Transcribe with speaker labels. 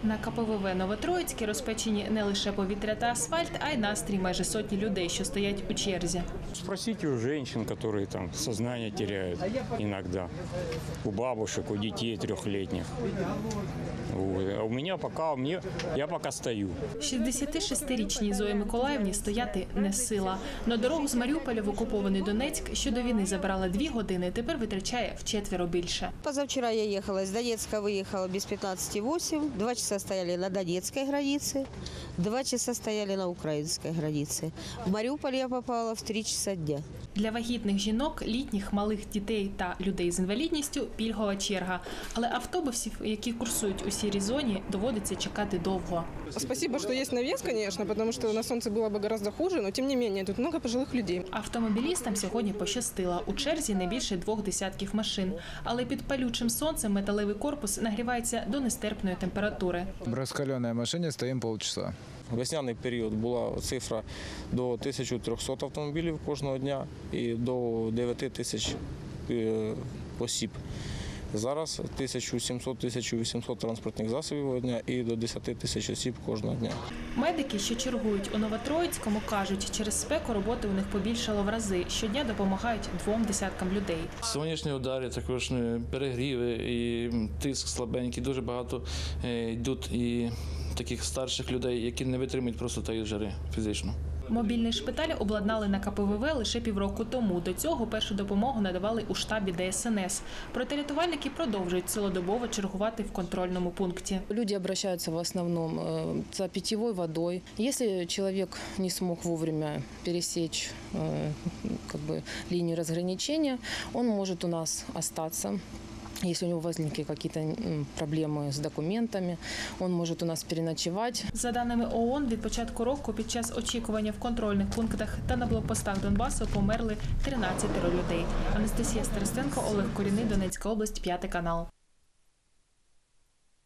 Speaker 1: На КПВВ Новотроїцьке розпечені не лише повітря та асфальт, а й настрій майже сотні людей, що стоять у черзі.
Speaker 2: Спросите у женщин, которые там сознание теряют иногда, у бабушек, у детей трехлетних. А у меня пока, я пока стою.
Speaker 1: 66-річній Зої Миколаївні стояти не сила. На дорогу з Маріуполя в окупований Донецьк, що до війни забрала 2 години, тепер витрачає вчетверо більше.
Speaker 3: Позавчера я ехала из Донецка, выехала без 15:08, 2 часа стояли на донецкой границе, 2 часа стояли на украинской границе. В Мариуполь я попала в 3 часа дня.
Speaker 1: Для вагітних жінок, літніх, малих дітей та людей з інвалідністю – пільгова черга. Але автобусів, які курсують у сірій зоні, доводиться чекати довго.
Speaker 4: Спасибо, что есть навес, конечно, потому что на солнце было бы гораздо хуже, но тем не менее тут много пожилых людей.
Speaker 1: Автомобілістам сьогодні пощастило. У черзі не більше 2 десятків машин. Але під палючим сонцем металевий корпус нагрівається до нестерпної температури.
Speaker 5: В раскаленной машине стоим полчаса.
Speaker 6: В весняний період була цифра до 1300 автомобілів кожного дня і до 9000 осіб. Зараз 1700-1800 транспортних засобів дня і до 10 тисяч осіб кожного дня.
Speaker 1: Медики, що чергують у Новотроїцькому, кажуть, через спеку роботи у них побільшало в рази. Щодня допомагають 2 десяткам людей.
Speaker 7: Сонячні удари, також перегріви і тиск слабенький. Дуже багато йдуть і таких старших людей, які не витримують просто тієї жари фізично.
Speaker 1: Мобільний шпиталь обладнали на КПВВ лише півроку тому. До цього першу допомогу надавали у штабі ДСНС. Проте рятувальники продовжують цілодобово чергувати в контрольному пункті.
Speaker 8: Люди обращаются в основном за питьевой водой. Если человек не смог вовремя пересечь линию разграничения, он может у нас остаться. Если у него возникли какие-то проблемы с документами, он может у нас переночевать.
Speaker 1: За даними ООН, від початку року під час очікування в контрольних пунктах та на блокпостах Донбасу померли 13 людей. Анастасія Старостенко, Олег Коріний, Донецька область, 5 канал.